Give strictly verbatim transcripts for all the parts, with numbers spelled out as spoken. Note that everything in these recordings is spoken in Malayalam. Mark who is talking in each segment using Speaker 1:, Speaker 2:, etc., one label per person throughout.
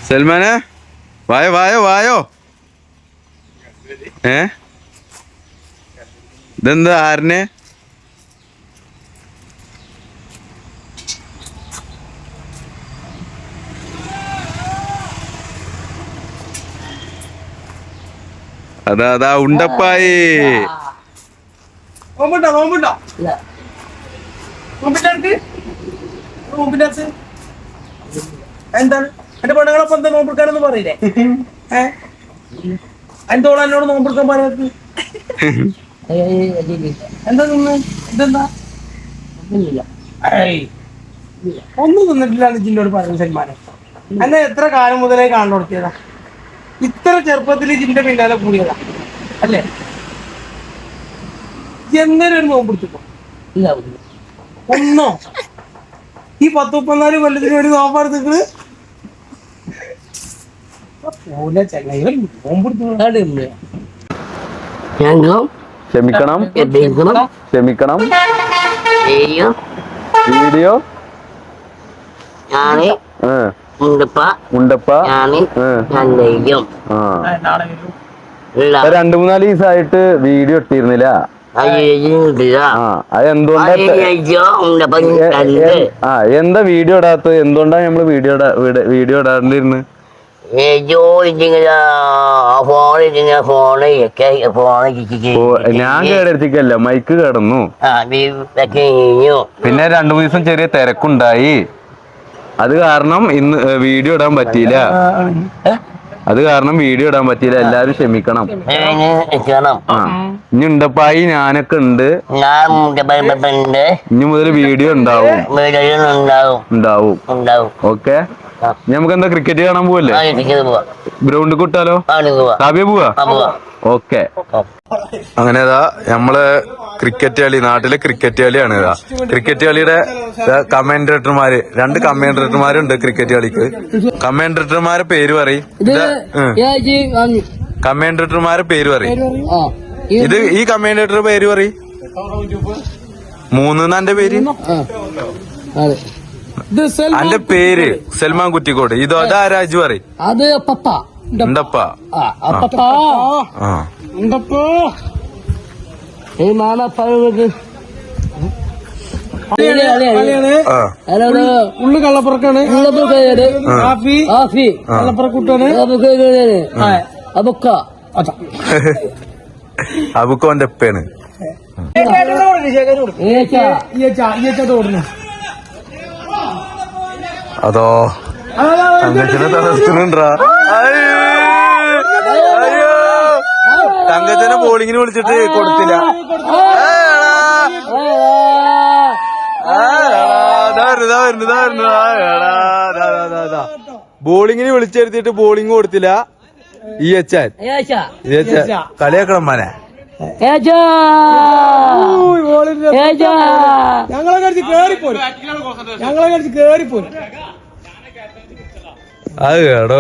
Speaker 1: സൽമാനെ വായോ വായോ വായോ. ഏ ഇതെന്താ ആരനെ? അതാ അതാ ഉണ്ടപ്പായി.
Speaker 2: എന്താണ് എന്റെ പെണ്ണുങ്ങളൊപ്പം എന്താ നോമ്പെടുക്കാനൊന്നും പറയില്ലേ? ഏഹ് എന്തോളം എന്നോട് നോമ്പെടുക്കാൻ പറയാത്ത എന്താ തിന്ന് ഇതെന്താ? ഒന്നും തിന്നിട്ടില്ലാന്ന് ജിന്നോട് പറഞ്ഞു സൽമാനെ. എന്നെ എത്ര കാലം മുതലേ കാണു കൊടുത്തിയതാ. ഇത്ര ചെറുപ്പത്തിൽ ജിന്റെ പിന്നാലെ കൂടിയതാ അല്ലേ? എങ്ങനെ ഒരു നോമ്പെടുത്തിപ്പോ ഒന്നോ ഈ പത്ത് മുപ്പത്തിനാല് കൊല്ലത്തിന് വേണ്ടി നോമ്പെടുത്തിട്ട് പോലെ ചെങ്ങായി നോമ്പെടുത്തു.
Speaker 1: ക്ഷമിക്കണം ക്ഷമിക്കണം. വീഡിയോ ഉണ്ടപ്പ രണ്ടു മൂന്നാല് ദിവസമായിട്ട് വീഡിയോ ഇട്ടിരുന്നില്ല. അതെന്തുകൊണ്ടാ ആ എന്താ വീഡിയോ ഇടാത്തത്? എന്തുകൊണ്ടാ നമ്മള് വീഡിയോ വീഡിയോ ഇടാണ്ടിരുന്ന്? ഞാൻ കേടത്തിക്കല്ല, മൈക്ക് കിടന്നു. പിന്നെ രണ്ടു മൂന്ന് ദിവസം ചെറിയ തിരക്കുണ്ടായി. അത് കാരണം ഇന്ന് വീഡിയോ ഇടാൻ പറ്റിയില്ല. അത് കാരണം വീഡിയോ ഇടാൻ പറ്റിയില്ല. എല്ലാരും ക്ഷമിക്കണം. ആ ഇനി ഉണ്ടപ്പായി ഞാനൊക്കെ ഉണ്ട്. ഇനി മുതൽ വീഡിയോ ഉണ്ടാവും ഉണ്ടാവും ഓക്കെ. നമുക്ക് എന്താ ക്രിക്കറ്റ് കാണാൻ പോവല്ലേ? ഗ്രൗണ്ടിൽ കൂട്ടാലോ? കാവ്യ പോവാ? ഓക്കെ. അങ്ങനെ ഇതാ നമ്മള് ക്രിക്കറ്റ് കളി, നാട്ടിലെ ക്രിക്കറ്റ് കളിയാണ്. ഇതാ ക്രിക്കറ്റ് കളിയുടെ കമന്റേറ്റർമാര്, രണ്ട് കമന്റേറ്റർമാരുണ്ട് ക്രിക്കറ്റ് കളിക്ക്. കമന്റേറ്റർമാരെ പേര് പറയും. കമന്റേറ്റർമാരെ പേര് പറയും. ഇത് ഈ കമന്റേറ്റർ പേര് പറയും. മൂന്ന് എന്റെ പേര്. അന്റെ പേര് സൽമാൻ കുറ്റിക്കോട്. ഇതോ അതാരാജു പറയും.
Speaker 2: അത് പപ്പ
Speaker 1: ഉണ്ടപ്പ.
Speaker 2: ഉള്ളു കള്ളപ്പുറക്കാണ്. കള്ളപ്പുറക്കൂട്ടാണ്.
Speaker 1: അബുക്കോന്റെ ഉപ്പയാണ്. അതോ തങ്കച്ചനെ തളർത്തുന്നുണ്ടാ? അയ്യോ തങ്കച്ചനെ ബോളിങ്ങിന് വിളിച്ചിട്ട് കൊടുത്തില്ല. ബോളിങ്ങിന് വിളിച്ചെടുത്തിട്ട് ബോളിങ് കൊടുത്തില്ല. ഈ അച്ഛൻ കളിയാക്കണം മനെ.
Speaker 2: ഞങ്ങളെ കഴിച്ച് കേറിപ്പോരും. ഞങ്ങളെ കഴിച്ച് കേറിപ്പോരും.
Speaker 1: അത് കേടോ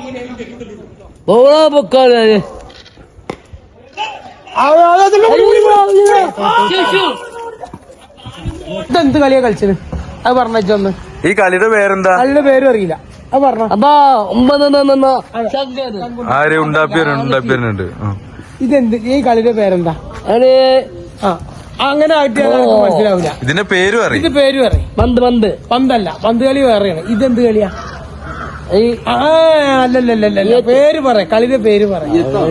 Speaker 2: ഇതെന്ത് കളിയാ കളിച്ചത്? അത് പറഞ്ഞൊന്ന്.
Speaker 1: ഈ കളിയുടെ പേരെന്താ?
Speaker 2: കളിയുടെ പേരും അറിയില്ല. അത് പറഞ്ഞ
Speaker 1: ആര് ഉണ്ടാപ്പിയരുണ്ട്.
Speaker 2: ഇതെന്ത് ഈ കളിയുടെ പേരെന്താ? ആ അങ്ങനെ ആയിട്ട് മനസ്സിലാവില്ല.
Speaker 1: ഇതിന്റെ പേര് പറയും. ഇതിന്റെ
Speaker 2: പേര് പറയും. പന്ത് പന്ത് പന്തല്ല, പന്ത് കളി വേറെയാണ്. ഇതെന്ത് കളിയാ? അല്ലല്ലല്ല പേര് പറ, കളിയുടെ പേര് പറ.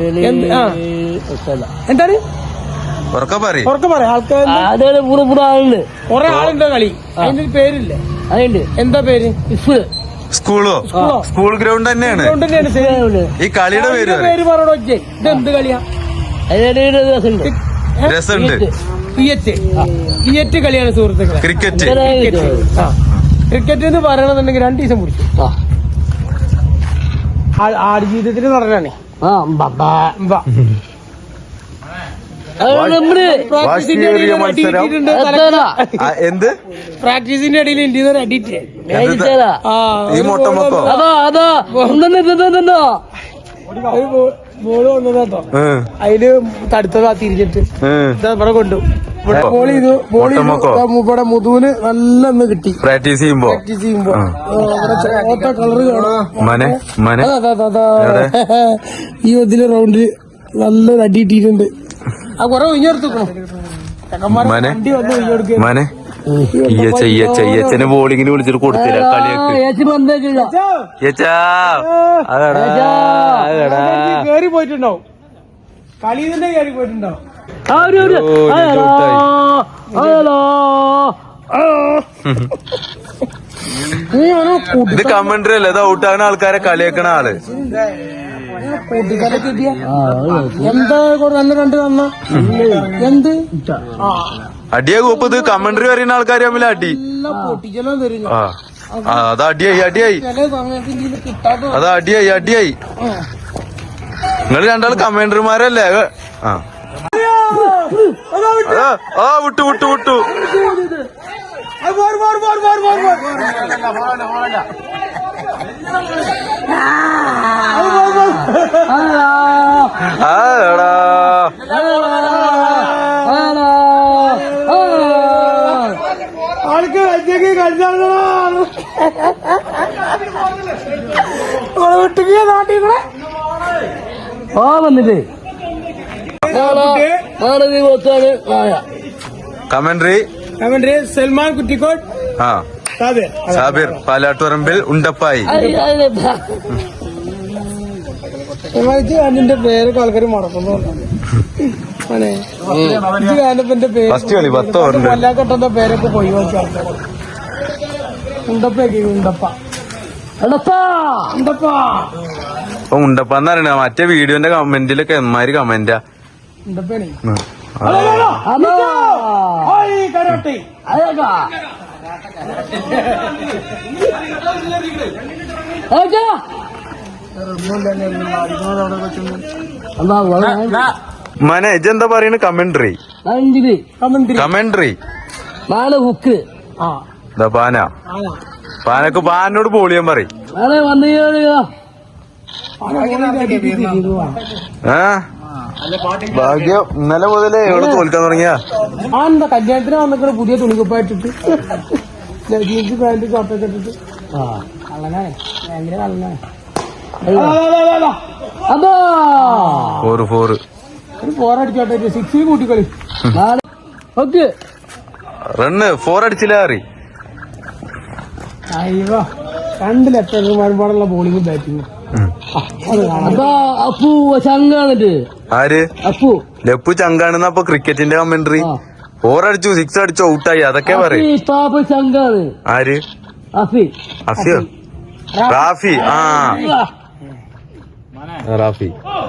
Speaker 2: എന്താണ്
Speaker 1: ഉറക്കെ പറയും?
Speaker 2: ആൾക്കാർ കൊറേ ആളുണ്ടോ കളി? അതിന്റെ പേരില്ലേ? എന്താ പേര്?
Speaker 1: സ്കൂളോ? സ്കൂൾ ഗ്രൗണ്ട് തന്നെയാണ്. ഈ കളിയുടെ പേര്
Speaker 2: പേര് പറയണോ? ഇതെന്ത് കളിയാ?
Speaker 1: രസമുണ്ട്.
Speaker 2: ഇയറ്റ് കളിയാണ് സുഹൃത്തുക്കളെ.
Speaker 1: ക്രിക്കറ്റ്.
Speaker 2: ക്രിക്കറ്റ് എന്ന് പറയണമെന്നുണ്ടെങ്കിൽ രണ്ടു ദിവസം പിടിച്ചു. ആട് ജീവിതത്തിൽ നടനാണ്.
Speaker 1: എന്ത്
Speaker 2: പ്രാക്ടീസിന്റെ ഇടയിൽ ഇന്ത്യയിൽ അടിയിട്ട്
Speaker 1: ഈ മൊട്ടമൊക്കോ
Speaker 2: ബോള് വന്നതാട്ടോ. അതില് തടുത്തതാ തിരിച്ചിട്ട് ഇവിടെ കൊണ്ടു. ബോൾ ചെയ്തു ബോൾ ചെയ്തു ഇവിടെ മുതുവിന് നല്ല ഒന്ന് കിട്ടി
Speaker 1: പ്രാക്ടീസ് ചെയ്യുമ്പോ
Speaker 2: പ്രാക്ടീസ് ചെയ്യുമ്പോ ഇവിടെ ചോത്ത കളറ് കാണാം
Speaker 1: മനെ മനെ
Speaker 2: അതാ അതാ അതാ ഈ ഇതില് റൗണ്ടില് നല്ലൊരു അടി ഇട്ടിട്ടുണ്ട് ആ കൊറേ ഒഴിഞ്ഞെടുത്തു
Speaker 1: മനെ
Speaker 2: വണ്ടി വന്ന് ഒഴിഞ്ഞെടുക്കുക
Speaker 1: മനെ ഈയച്ച ഈയച്ച ഈയച്ചനെ ബോളിങ്ങിന് വിളിച്ചിട്ട് കൊടുത്തില്ല കളിയൊക്കെ ഈയച്ചാ അതെടാ അതെടാ
Speaker 2: കേറി പോയിട്ടുണ്ടാവും കളി തന്നെ കേറി പോയിട്ടുണ്ടാവും
Speaker 1: ഇത് കമന്ററി അല്ലേ ഇത് ഔട്ടാകുന്ന ആൾക്കാരെ കളിയാക്കണ ആള്
Speaker 2: കൂട്ടിക്കാരെ കിട്ടിയ എന്താ നല്ല രണ്ട് തന്ന എന്ത്
Speaker 1: അടിയാ കൂപ്പ് ഇത് കമന്ററി പറയുന്ന ആൾക്കാർ തമ്മിൽ അടി
Speaker 2: പൊട്ടിച്ചെല്ലാം തരും
Speaker 1: ആ ആ, അത് അടിയായി അടിയായി
Speaker 2: ചില സമയത്ത് ഇതിന് കിട്ടാത്ത
Speaker 1: അത് അടിയായി അടിയായി നിങ്ങൾ രണ്ടാൾ കമന്ററിമാരല്ലേ ആ അതാ, ആ വിട്ടു വിട്ടു വിട്ടു ആടാ
Speaker 2: ആൾക്ക് വെച്ചേക്ക് കളിച്ചാളോ വിട്ടുകിയ നാട്ടിൽ കൂടെ ആ വന്നിട്ടേ
Speaker 1: കമന്ററി
Speaker 2: അവന്റെ സൽമാൻ കുറ്റിക്കോട്ട്
Speaker 1: ആ സാബിർ പാലാട്ടുപറമ്പിൽ ഉണ്ടപ്പായി
Speaker 2: അതിന്റെ പേരൊക്കെ ആൾക്കാർ മറക്കുന്നുണ്ട് എന്റെ പേര്
Speaker 1: ഫസ്റ്റ് കളി പത്ത് ഓവറിൽ
Speaker 2: കൊല്ലാക്കട്ടന്റെ പേരൊക്കെ പോയി നോക്കി ആൾക്കാർ ഉണ്ടപ്പൊക്കെ ഉണ്ടപ്പ ഉണ്ടപ്പ
Speaker 1: ഇപ്പൊ ഉണ്ടപ്പാന്ന് പറയണ മറ്റേ വീഡിയോന്റെ കമന്റിലൊക്കെ എന്മാര് കമന്റാ
Speaker 2: ഉണ്ടപ്പേണേ
Speaker 1: ഉം.
Speaker 2: കരോട്ടെ
Speaker 1: മനെ ഇജെന്താ പറയണ കമന്ററി കമന്ററി
Speaker 3: നാളെ ഹുക്ക്
Speaker 2: ആ
Speaker 1: ഇതാ പാന പാനക്ക് പാനോട് പോളിയാൻ പറയും
Speaker 3: നാളെ വന്നു
Speaker 1: ഏ ഭാഗ്യം ഇന്നലെ മുതലേ എവിടെ തോൽക്കാൻ തുടങ്ങിയ
Speaker 2: ആ എന്താ കല്യാണത്തിന് വന്നിട്ട് പുതിയ തുണിക്കുപ്പായിട്ടിട്ട് ജീൻസ് പാന്റ് ഷോർട്ടൊക്കെ ഇട്ടിട്ട് കള്ളനാണ് ഭയങ്കര കള്ളനാണ് അതാ
Speaker 1: ഫോറ് ഫോറ്
Speaker 2: ഒരു ഫോറടിച്ചോട്ടെ സിക്സ് കൂട്ടിക്കളി
Speaker 3: ഓക്കെ
Speaker 1: റണ്ണ് ഫോർ അടിച്ചില്ല അറി
Speaker 2: അയ്യോ രണ്ട് ലെഫ്റ്റർമാരുമ്പോഴുള്ള ബോളിംഗും ബാറ്റിങ്ങും അത് കാണാം
Speaker 3: അപ്പൊ അപ്പു ചങ്കാണിട്ട്
Speaker 1: ആര്
Speaker 3: അപ്പു
Speaker 1: ലപ്പു ചങ്കാണെന്ന അപ്പൊ ക്രിക്കറ്റിന്റെ കമന്ററി ഫോർ അടിച്ചു സിക്സ് അടിച്ചു ഔട്ടായി അതൊക്കെ പറയും
Speaker 3: പാപ്പ ചങ്കാണ്
Speaker 1: ആര്
Speaker 3: അഫി
Speaker 1: അഫിയോ റാഫി ആ റാഫി